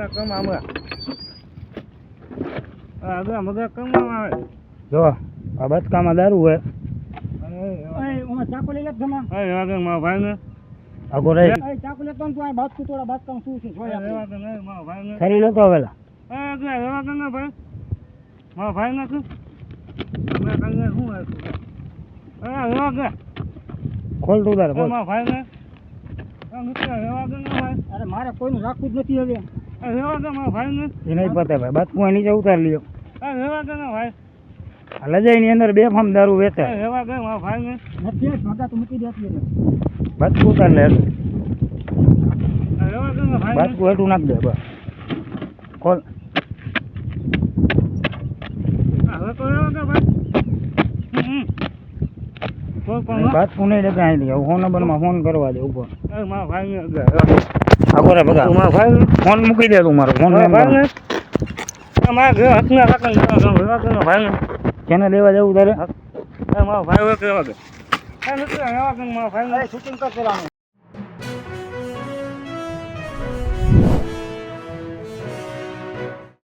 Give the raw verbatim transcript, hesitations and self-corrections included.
મગા કમા મગા આ મગા મગા કમા આવે જો આ બચકામાં દારૂ હોય એ ઓમાં ચાકુ લઈ લે જમા એ વાગે મારા ભાઈને આગો રહી એ ચાકુ લે તો તું આ બાત તું થોડા બાત કામ શું છે જોયા એ વાગે નહીં મારા ભાઈને ખરી લો તો વેલા એ કે એ વાગે ના ભાઈ મારા ભાઈ ના તું અમે કઈને શું હે એ એ વાગે ખોલ તું તારે બોલ મારા ભાઈને અરે મારે કોઈનું રાખવું જ નથી હવે રેવા દે મારા ભાઈને એ નહીં પતે ભાઈ બચકું નીચે ઉતારી લ્યો રેવા દે ને ભાઈ લજાઈ ની અંદર બે ફામ દારૂ વેચે રેવા દે મારા ભાઈને નથી ભાગા તો મૂકી દેતી બચકું ઉતાર લે રેવા દે ને ભાઈ બચકું હેઠું નાખ દે બસ ખોલ હવે તો રેવા દે ભાઈ બચકું નહીં દેખાય અહીં હું ફોન નંબરમાં ફોન કરવા દે ઉપર મારા ભાઈને આગો રે બગા મારા ભાઈ ફોન મૂકી દે તું મારો ફોન નંબર મારા ઘર હાથના કાકા ભાઈ કેને લેવા જવું તારે મારા ભાઈ કેવા કે મારા ભાઈ શૂટિંગ કરશે